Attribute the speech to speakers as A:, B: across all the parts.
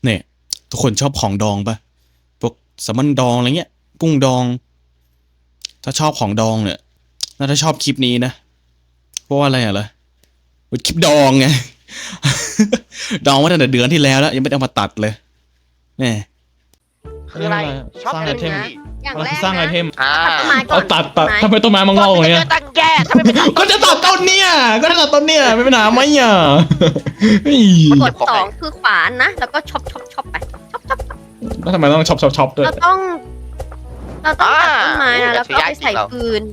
A: เนี่ยทุกคนชอบของดองปะพวกแซลมอนดองอะไรเงี้ยกุ้งดอง ถ้าชอบของดองเนี่ยน่าจะชอบคลิปนี้นะเพราะว่าอะไรอ่ะล่ะคลิปดองไง ดองมาตั้งแต่เดือนที่แล้วยังไม่ได้เอามาตัดเลยเนี่ย
B: คืออะไรชอบ
C: สร้าง
B: เล่
C: ไอน เทม
B: ไง
D: อย่างแรก
C: สร้างไอ
D: นะ
C: เทม
D: ตัดต้นไม้ก่อ
C: เอา
D: น
C: ตัดทำไมต้นไม้มันงอกอย่างเงี้ย
B: ตั้งแย่ทำไมไม่ตัด
C: ก็จะตัดต้นเนี่ยก็จะตัดต้นเนี่ยไม่เป็นปัญหาไหมอ่ะเฮ้ย
D: กดสองคือขวานนะ แล้วก็ช็อปไปช็อป
C: แล้วทำไมต้องช็อปด้วย
D: เราต้องตัดต้นไม้นะแล้วก็ไปใส่ฟืน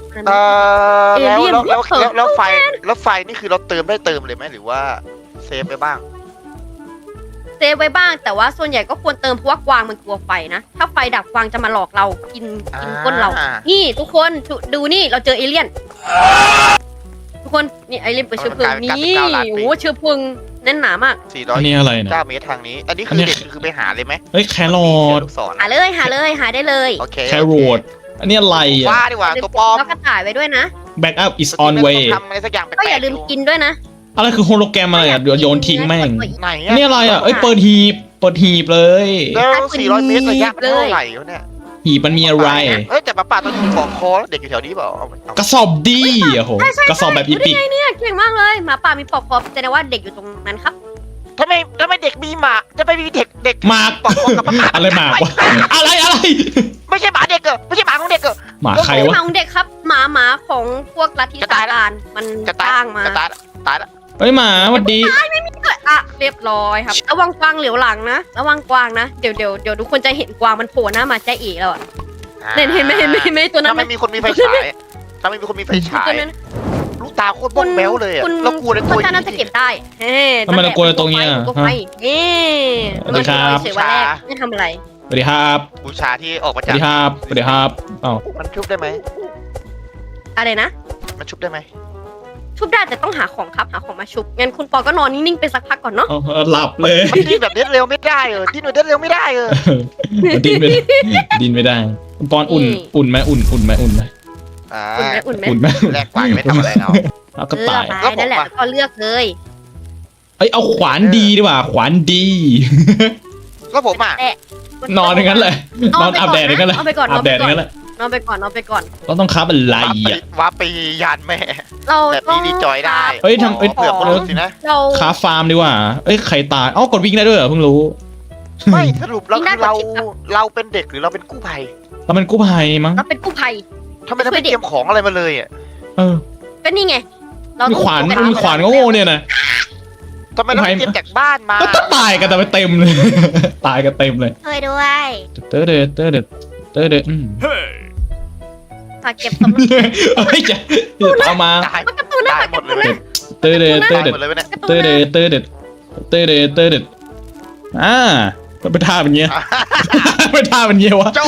B: แล้วไฟนี่คือเราเติมเลยไหมหรือว่าเซฟไปบ้าง
D: เซฟไว้บ้างแต่ว่าส่วนใหญ่ก็ควรเติมเพราะว่ากวางมันกลัวไฟนะ ถ้าไฟดับกวางจะมาหลอกเรากินก้นเรา นี่ทุกคนดูนี่เราเจอเอเลี่ยน ทุกคนนี่เอเลี่ยนเปิดเชื้อเพลิงนี่โอ้เชื้อเพลิงแน่นหนามาก
C: อันนี้อะไรเนี่ย
B: 409 เมตรทางนี้ อันนี้คือเด็กคือไปหาเลยไหม
C: เฮ้ยแครอท
B: ลูกศร
D: หาได้เลย
B: โอเค
C: แครอทอันนี้อะไรอ่ะ
B: ว่าดีกว่าตัวปลอม
D: แล้วก็ถ่ายไว้ด้วยนะ
C: back up is on way
B: ทำอะไรสักอย่างแปลก
D: ก็อย่าลืมกินด้วยนะ
C: อะไรคือโฮโลแกรมอะไรอ่ะเดี๋ยวโยนทิ้งแม่ง
B: ไหน
C: อันนี้อะไรอ่ะเอ้ยเปิดหีบเลย
B: แล้ว400 เมตรระยะมันเท่าไหร่วะเนี่ย
C: หีบมันมีอะไร
B: เฮ้ยแต่ป้าตอนนี้ของคอเด็กอยู่แถวนี้เปล่าเอา
C: กระสอบดีโอ้โหกระสอบแบบอีปิก
D: เนี่ยเก่งมากเลยหมาป่ามีปอกคอแสดงว่าเด็กอยู่ตรงนั้นครับ
B: ทำไมเด็กมีหมาจะไปมีเด็ก
C: หมาก
B: ปอกคอกับป้า
C: อะไรหมากวะอะไร
B: ไม่ใช่หมาเด็กเหรอไม่ใช่หมาของเด็กเหรอ
C: หมาใคร
D: ห
C: วะ
D: มาของเด็กครับหมาของพวกลัทธิ
B: จะตาย
D: ซาตานมัน
B: จะ
D: ส
B: ตาย
D: ร้างมา
B: จะตายละ
C: เฮ้ยหมาสวัสดี
D: อ่ะเรียบร้อยครับระวังกวางเหลียวหลังนะระวังกวางนะเดี๋ยวทุกคนจะเห็นกวางมันโผล่หน้ามาใจเอ๋แล้วอ่ะเห็นไหมตัวนั้น
B: ถ้าไม่มีคนมีไฟฉายถ้าไม่มีคนมีไฟฉาย
D: ตัวนั้น
B: ลูกตาโคตรบ้องแบ้วเลยอะ
D: คุณ
B: แล้วกลัวในตัว
D: คุณน่าจะเก็บได้เฮ้
C: ทำไมเรากลัวในตรงเนี้ย
D: ตัวไฟนี่
C: สวัสดีครับ
D: เฉยๆวันแรกไม่ทำอะไร
C: สวัสดีครับ
B: บูชาที่ออกมา
C: สวั
B: จาก
C: สดีครับสวัสดีครับอ้าว
B: มันชุบได้ไหม
D: อะไรนะ
B: มันชุบได้ไหม
D: ชุบได้แต่ต้องหาของครับหาของมาชุบงั้นคุณปอก็นอนนิ่งๆไปสักพักก่อนเนาะ
C: เอาหลับเลย
B: มันดิ้นแบบเด็ดเร็วไม่ได้เออดิ้นแบบเด็ดเร็วไม่ได้เออ
C: มันดิ้นไม่ได้ดิ้นไม่ได้คุณปอนอุ่นไหมอุ่นไหม
D: อุ่นไหมอุ่นไหม
C: อุ่นไหม
B: แรกกว่ายังไม่ทำอะไรเรา
C: เอาก็ตาย
D: ไปนั่นแหละแล้วก็เลือกเลย
C: เอ้ยเอาขวานดีดีกว่าขวานดี
B: แล้วผมอ่ะ
C: นอนอย่างนั้นเลยนอนอาบแดดอย่างนั้นเลย
D: เอาไปก่อน
C: อาบแดดอย่างนั้นเลย
D: นอนไปก่อน
C: เราต้องคับอะไรอ่ะ
B: ว้าปียานแม่
D: เรา
B: แบบ
D: ต้อ
B: นี้
D: ง
B: ดีจอยได้
C: เฮ้ยทำเอ้ย
B: เผื่อคนรู้สินะ
D: เรา
C: ค้าฟาร์มดีกว่าเอ้ยใครตายเอ้ากดวิ่งได้ด้วยเหรอเพิ่งรู้
B: ไม่สรุปเราคือเราเป็นเด็กหรือเราเป็นกู้ภัย
C: เราเป็นกู้ภัยมั้ง
D: เราเป็นกู้ภัย
B: ทำไมเราไม่เตรียมของอะไรมาเลยอ่ะ
C: เออ
D: ก็นี่ไงเรา
C: มี
D: ต้อง
C: ขวาน
D: เป็น
C: มีขวานโง่ๆเนี่ยนะ
B: ทำไมเราไม่เตรียมจากบ้านมา
C: ก็ตายกันแต่ไปเต็มเลย ตายกันเต็มเลย
D: เคยด้วย
C: เตอเดเตอเดเตอเดอืม
D: ฝากเก็บสม
C: เฮ้ยจะเอามา
B: ตาย
D: การ์ตูนนะ
B: ตาย
D: ฝาก
B: หม
D: กา
B: ด
D: ร์
B: เล
D: ตู
B: ย
D: น
B: ไหม
D: นะ
C: เตอเดเตอ
B: ตาย
C: เด
B: หมดเลยไหมเนี่ย
D: การ์ตู
C: เตอน เด
D: นะ
C: เตอเดเตอเดเตอเดมันเป็นท่าเป็นเงี้ยเป็นท่าเป็นเงี้ยวะ
B: โจ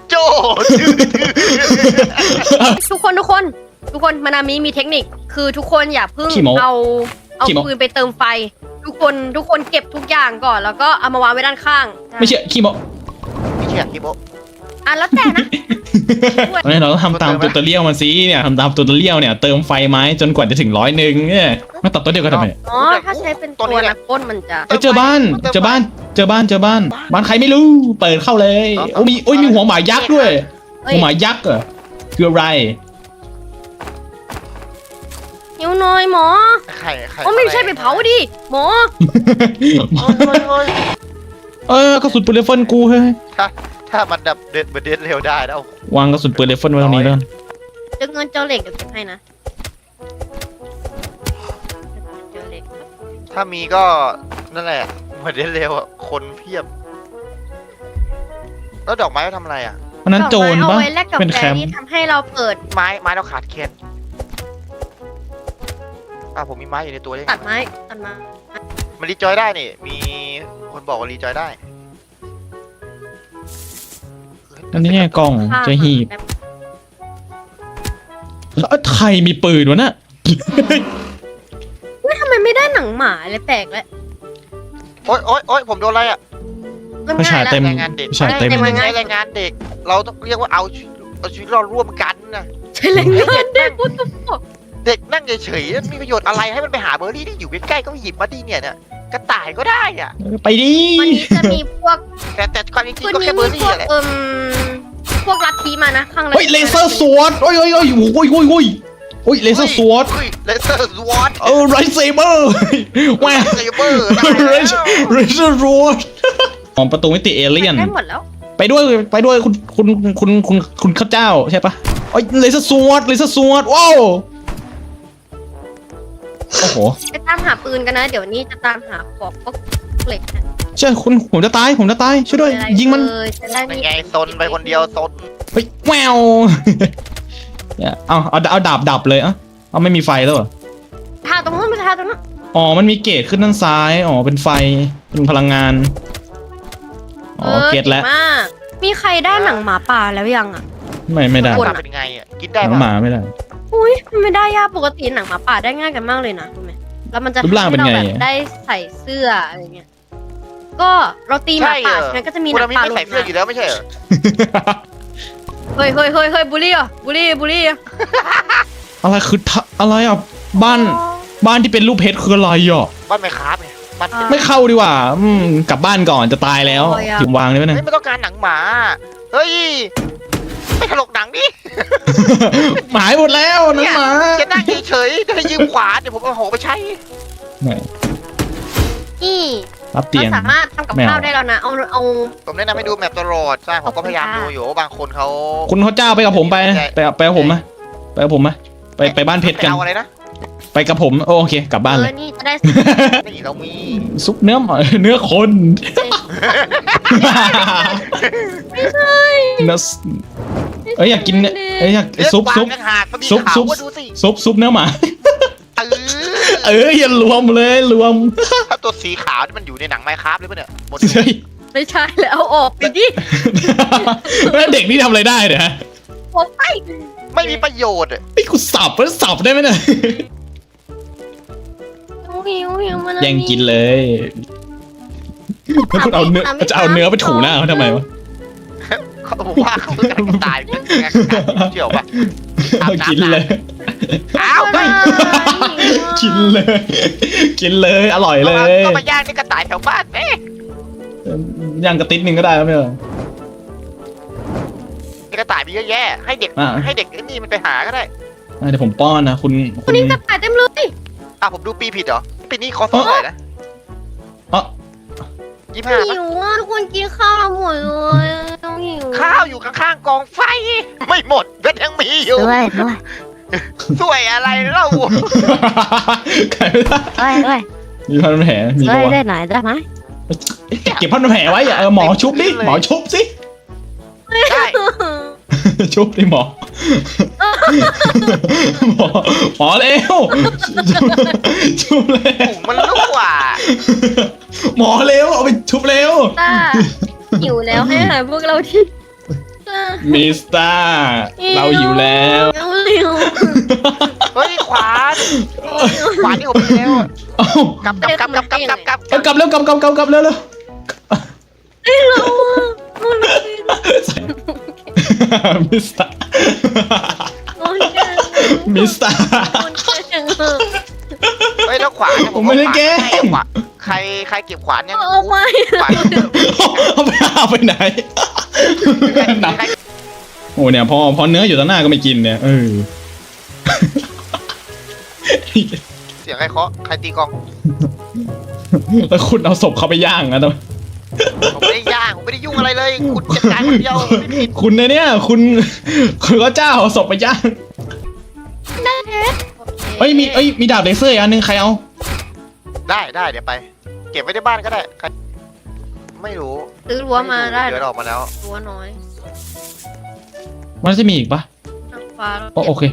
D: ทุกคนมานามิมีเทคนิคคือทุกคนอย่าเพิ่งเอาปืนไปเติมไฟ ทุกคนเก็บทุกอย่างก่อนแล้วก็เอามาวางไว้ด้านข้าง
C: ไม่เชื่อขี้โม
B: ไม่เชื่อคิโบ
D: อ่ะแล้วแต่นะ
C: ไม่เราต้องทำตามตูตเรียลมันสิเนี่ยทำตามตูตเรียลเนี่ยเติมไฟไม้จนกว่าจะถึง100เนี่ยมาตัดตัวเดียวกันทำไม
D: อ๋อถ้าใช้เป็นตัวนักก้นมันจะ
C: เจอบ้านบ้านใครไม่รู้เปิดเข้าเลยโอ้มีหัวหมายักษ์ด้วยหัวหมายักษ์เหรอคืออะไร
D: หิวหน่อยหมอ
B: ใคร
D: โอ้ไม่ใช่ไปเผาดิหมอ
C: กระสุนปืนไรเฟิลกูเฮ้ย
B: ถ้ามันดับเด็ดเร็วได้แล้ว
C: วางกระสุนปืนไรเฟิลไว้ตรงนี้แล้ว
D: เจอเงินเจ้าเหล็กเดี๋ยวเก็บให้นะเจอเหล็ก
B: ถ้ามีก็นั่นแหละเด็ดเร็วคนเพียบ แล้วดอกไม้เขาทำอะไรอ่ะ
C: เพราะนั้นโจร
D: เอา
C: ปะ
D: ไว้แลกกับ
C: เป็น
D: แฟ
C: แคมป์
D: ที่ทำให้เราเปิด
B: ไม้เราขาดแคลนผมมีไม้อยู่ในตัวได้ไง
D: ตัดไม้
B: มันรีจอยได้นี่ มีคนบอกว่ารีจอยได้
C: อันนี้ไงกล่อง
D: ข้าง
C: จะหีบแล้วใครมีปืนวะน่ะ
D: เฮ้ยทำไมไม่ได้หนังหมาเลยแปลกแล้ว
B: โอ๊ยผมโดนอะไรอ่ะ
C: ไม่ใช่เต็ม
B: แรงงานเด็ก
C: ไม่ใช่เต็ม
B: ไม่ใช่แรงงานเด็ก เราต้องเรียกว่าเอาชีวิตเราร่วมกันนะ
D: ใช่เลยเด็กพูดตุ๊บ
B: เด็กนั่งเฉยๆมีประโยชน์อะไรให้มันไปหาเบอร์รี่ที่อยู่ใกล้ๆก็หยิบมาดิเนี่ยกระต่ายก็ได้อ่ะ
C: ไปดิ
D: วันนี้จะมีพวก
B: แต่ความจริง
D: วัน
B: ๆก็
D: นี้
B: แค่เบอ
D: มี
B: ร์
D: พ
B: รี่
D: วก
B: แหละ
D: พวกลัทธิมานะข้างใน
C: เฮ้ยเลเซอร์สวอตโอ้ยโอ้ยโอ้ยโอ้ยโอ้ยโอ้ยโอ้ยเลเซอร์สวอต
B: เลเซอร์สวอต
C: ไรเซเบอร์แหว
B: เซเบอร์
C: ไรเซอร์สวอตของประตูมิติเอเลี่ยน
D: ได้หมดแล้ว
C: ไปด้วยคุณข้าเจ้าใช่ปะโอ้ยเลเซอร์สวอตว้าวโอ้โห
D: ไปตามหาปืนกันนะ เดี๋ยวนี้จะตามหาของพวกเหล็กนะ
C: ใช่คุณผมจะตายช่วยด้วยยิงมัน
D: จะได้
B: เป็น
D: มี
B: ไงซนไปคนเดียวซน
C: เฮ้ยแววเนี่ยเอาดาบดับเลยอ่ะเอาไม่มีไฟแล้วเหรอ
D: ทาตรงนู้นไปทาตรงนู้น
C: อ๋อมันมีเกจขึ้นด้านซ้ายอ๋อเป็นไฟเป็นพลังงานอ๋อเกจแล้ว
D: ก่งมากมีใครได้หนังหมาป่าแล้วยังอ่ะ
C: ไม่ได้
D: คน
B: เป็นไงอ่ะกินได้
C: ห
B: ปะ
C: มาไม่ได้
D: อุ้ยมันไม่ได้ยากปกติหนังหมาป่าได้ง่ายกันมากเลยนะรู้ไหมแล้วมันจะ
C: รูปร่างเป็นไง
D: ทำให้เราแบบได้ใส่เสื้ออะไรเงี้ยก็เราตีหมาป่าใช่ไหมก็จะมีห
B: คุณ
D: นัง
B: มี
D: ป่า
B: ไม่
D: หลุ
B: ใส่
D: ด
B: เสื้อ
D: มา
B: อยู่แล้วไม่ใช่เหรอ
D: เฮ้ยบูลลี่อ่ะบูลลี่อ่ะ
C: อะไรคืออะไรอ่ะบ้านที่เป็นรูปเพชรคืออะไรอ่ะ
B: บ้านไม่ค้าไงบ้าน
C: ไม่เข้าดีกว่า กลับบ้านก่อนจะตายแล้วถึงวางได้ไหมเนี่ย
B: เฮ้ยไม่ต้องการหนังหมาเฮ้ยไม่ถลกหนังดิ
C: หายหมดแล้วนั่นหมา
B: จะนั่งเฉยๆจะให้ยืมขวานเดี๋ยวผมเอาหอกไปใช้
D: นี่
C: รับเตียง
D: เราสามารถทำกับ
C: ไม่เอา
D: ข้าวได้แล้วนะเอา
B: ผมแนะนำให้ดูแมปตลอดใช่ผมก็พยายามดูอยู่ว่าบางคนเขา
C: คุณข้าเจ้าไปกับผมไปกับผมไหมไปกับผมไหมไปบ้านเพชรกัน
B: เอาอะไรนะ
C: ไปกับผมโอเคกลับบ้านเลย
D: นี่จะได้
B: นี่เรามี
C: ซุปเนื้อหมาเนื้อคน
D: ไม่ใช่
C: เนื้อเอ้ยอยากกินเนี่ยเอ้ยอยากซุป
B: เรื่องกวางต่างหากมันมี
C: ซุป
B: ข่า
C: ซุ
B: ว
C: ป
B: ว่าดูสิ
C: ซุปเนื้อหมา
B: เออ
C: อย่ารวมเลยรวม
B: ถ้าตัวสีขาวที่มันอยู่ในหนังไมค์ครับเลยปะเนี่ยหมด
C: เฮ้ย
D: ไม่ใช่แล้วเอาออกไปดิ
C: แล้วเด็กนี่ทำอะไรได้เนี่ยฮะ
D: ออกไป
B: ไม่มีประโยชน์อะ
C: ไอ้กูสับได้ไหมเนี่ย
D: หิวมัน
C: แย่งกินเลยแล้วคุณเอาเนื้อจะเอาเนื้อไปถูหน้าเขาทำไมวะ
B: เขาบอกว่าเขาต้องการตายเป็นไงเกี่ยวปะ
C: กินเลย
B: อ้าวไม่
C: กินเลยกินเลยอร่อยเลย
B: ก็มาย่างนี่กระต่ายแถวบ้านเอ๊ะ
C: ย่างกระติดหนึ่งก็ได้ครับเนี่ย
B: นี่กระต่ายมีเยอะแยะให้เด็ก
C: อ่ะ
B: ให้เด็กไอ้นี่มันไปหาก็ได้
C: เดี๋ยวผมป้อนนะคุณ
D: วันนี้กระต่ายเต็มเลย
B: ผมดูปีผิดเหรอปีนี้คอสเท่าไหร่นะ
C: อ๋อ
B: 25ปะ
D: หิวอ่ะทุกคนกินข้าวเราหมดเลยต้องหิว
B: ข้าวอยู่ข้างๆกองไฟ ไม่หมดก็ยังมีอยู่
E: ด้วย
B: สวยอะไรเล่า
C: ไก่ไม่ได้
E: ด้วย
C: มีพันแผลมี
E: ด้
C: ปะ
E: วย
C: วะ
E: ได้หน่อยได้ไหม
C: เก็บพันแผลไว้อย่าหมอชุบดิหมอชุบสิ
B: ได้
C: ชุบดิหมอหมอเร็วชุบเร็ว
B: ถุงมันรั่ว
C: หมอเร็วเอาไปชุบเร็ว
D: ต้าหิวแล้วให้อาหารพวกเราที่
C: มิสเตอร์เราหิวแล้ว
D: หิว
B: เฮ้ยขวานที่ผมมีแล้ว
C: เอ้าก
B: ลับเร็ว
C: กลับเร็วกลับเร็วเร็ว มิสเตอร์มิสเตอร์
B: เฮ้ยแล้วขวาน
C: ผมไม่ได้แกล้ง
B: ใครเก็บขวานยัง
D: เอาไป
B: ขวาน
C: เอาไปไหนโอ้เนี่ยพอเนื้ออยู่ต่อหน้าก็ไม่กินเนี่ย
B: เสียงใครเคาะใครตีกอง
C: แล้วคุณเอาศพเขาไปย่างนะทำไม
B: ผมไม่ได้ย่างผมไม่ได้ยุ่งอะไรเลยคุณจัดการคนเดียวไม่ผิด
C: คุณเนี่ยคุณก็เจ้าเอาศพไปย่างมีดาบเลเซอร์อีกอันนึงใครเอา
B: ได้เดี๋ยวไป เก็บไว้ในบ้านก็ได้ไม่รู้
D: ซื้อรั้วมาได้
B: เดี๋ยวออกมาแล้ว
D: รั้วน้อย
C: มันจะมีอีกปะ
D: นางฟ้า
C: โอเค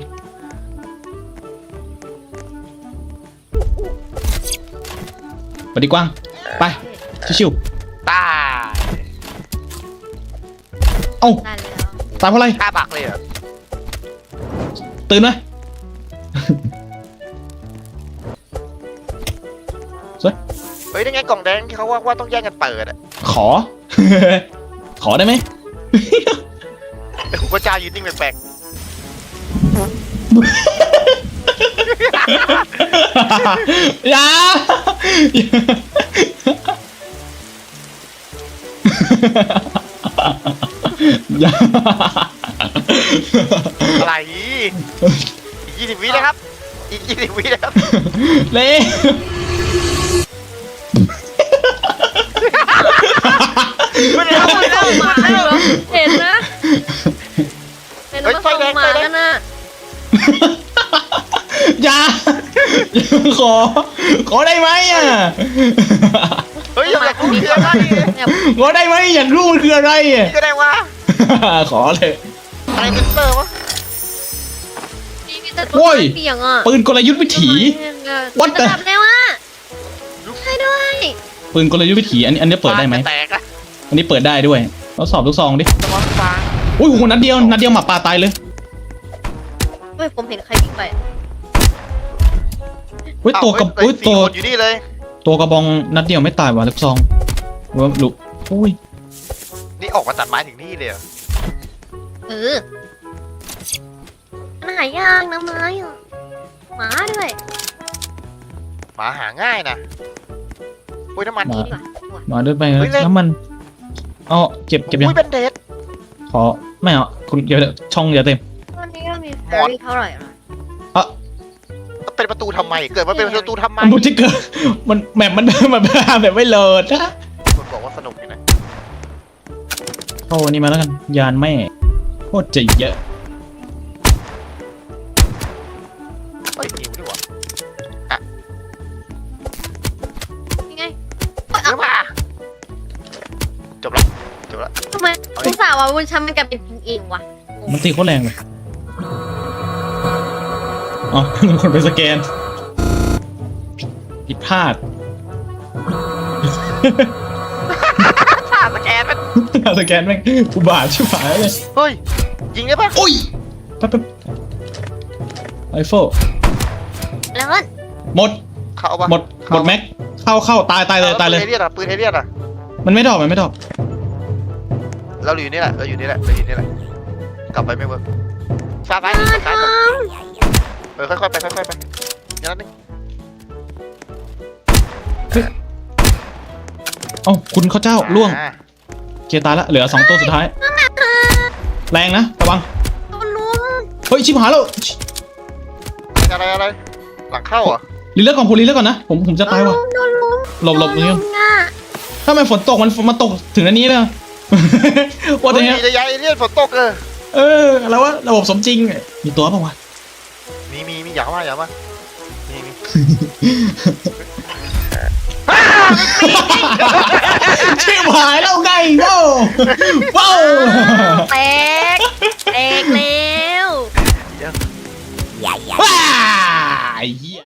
C: ไปดีกว้างไปชิว
B: ตาย
C: ๆเอ้า
D: ได้แล้ว
C: ตายเพราะอะไร
B: ฆ่าบักเลยเหรอ
C: ตื่นไหม
B: เฮ้ยยังไงกล่องแดงที่เขาว่าต้องแย่งกันเปิดอ่ะ
C: ขอ ขอได้ไหม
B: แต่คุณพระเจ้ายืนนิ่งแปลก
C: อย่าอย่า
B: อะไรอีก20 วินะครับ อีก20 วินะครับ
C: เล่
B: ไม่ได้เอาไม่ได้
D: ส่งหมาเหรอเห็นนะเป็นมาส่งหมากันนะ
C: อย่าขอได้ไหมอ่ะ
B: เฮ้ยอยากรู้คืออะไร
D: เนี่ย
C: ขอได้ไหมอยากรู้มันคืออะไรอ่ะ
B: นี่ก็ได้วะ
C: ขอเลย
B: อะไรเป็นเซอร์วะ
D: มีแต่ตัวเปียงอ่ะ
C: ปืนกลยุทธ์วิถี What the
D: ระดับแล้วอ่ะใช่ด้วย
C: ปืนกลยุทธ์วิถีอันนี้เปิดได้ไหม
B: แตกอะ
C: อันนี้เปิดได้ด้วยเราสอบลูกซองดิ
B: สมองฟาง
C: อุ้ยโหนัดเดียวหมาป่าตายเลย
D: เฮ้ยผมเห็นใครวิ่งไป
C: อุ้ยตัวกระ
B: เฮ้
C: อุ้ย
B: สี่
C: ตัว
B: คนอยู่นี่เลย
C: ตัวกระบองนัดเดียวไม่ตายว่ะลูกซองว่าลูกอุ้ย
B: นี่ออกมาตัดไม้ถึงนี่เลยเหรอ
D: เออมันหายากนะไม้อ่ะหมาด้วย
B: หมาหาง่ายนะอุ้ยน้ำมัน
D: นี่ดีกว่า
C: มาด้วยไป
B: เฮ้ยเล่น
C: น้ำมันเอาเก็บยัง
B: อุ้ยเป็นเดท
C: ขอไม่เอาคุณเดี๋ยวช่องเดี๋ยวเต็ม
D: ตอนนี้เรามีแฟรี่เท่าไหร่ละ
B: เป็นประตูทำไม เกิดมาเป็นประตูทำไม
C: มันดูที่เกิดมันแมปมันแบบไม่เลิศนะ
B: คนบอกว่าสนุกอยู่นะ
C: เข้าอันนี้มาแล้วกันยานแม่โคตรจะเยอะ
B: เฮ้ยนิวด้วยวะ
D: ยังไง
B: เนื้อมาจบละจบละ
D: ทำไมทุกสาวว่าวุ้นช้ำมันกลายเป็นจริงเองวะ
C: มันตีโคตรแรงเลยอ๋อ คนไปสแกนผิดพลาด
B: ท่าสแกนมัน
C: สแกนแม่งอุบาทชิบหายเลย
B: เฮ้ย ยิงได้ปะ
C: โอ้ยแป๊บไอโฟ
D: แล้วมัน
C: หมด
B: เข้าปะ
C: หมดแม็กเข้าตายเลยตายเลย
B: ปืนเอเลียนอะปืนเอเลียนอะ
C: มันไม่ดอก
B: เราอยู่นี่แหละเราอยู่นี่แหละกลับไปไม่เวิร์กซ้ายซ้าย
D: มาท
B: ซ้ายค่อยๆไปค่อยๆไปอย่างนั้นนึง
C: เอ้าคุณข้าเจ้าล่วงเคตายละเหลือ2ตัวสุดท้าย แรงนะระวัง
D: ำตัวลุม
C: เฮ้ยชิบหายแล้ว
B: อะไรหลังเข้าเหรอ
C: รีเลือกก่อนผมรีเลือกก่อนนะผมจะตายว่ะ
D: โดนลุม
C: หลบตรงนี้
D: โดนลุมอ่ะ
C: ถ้ามันฝนตกมันตกถึงอันนี้เลย ว่าแต่เนี้ย
B: ระยะเอเลียนฝนตก
C: อะไรวะระบบสมจริงมีตัวเปล่าวะ
B: มีอย่ามามี
C: ชิบหายแล้วไงว้าวว้าว
D: แตกแล้ว
C: ว้าไอ้เหี้ย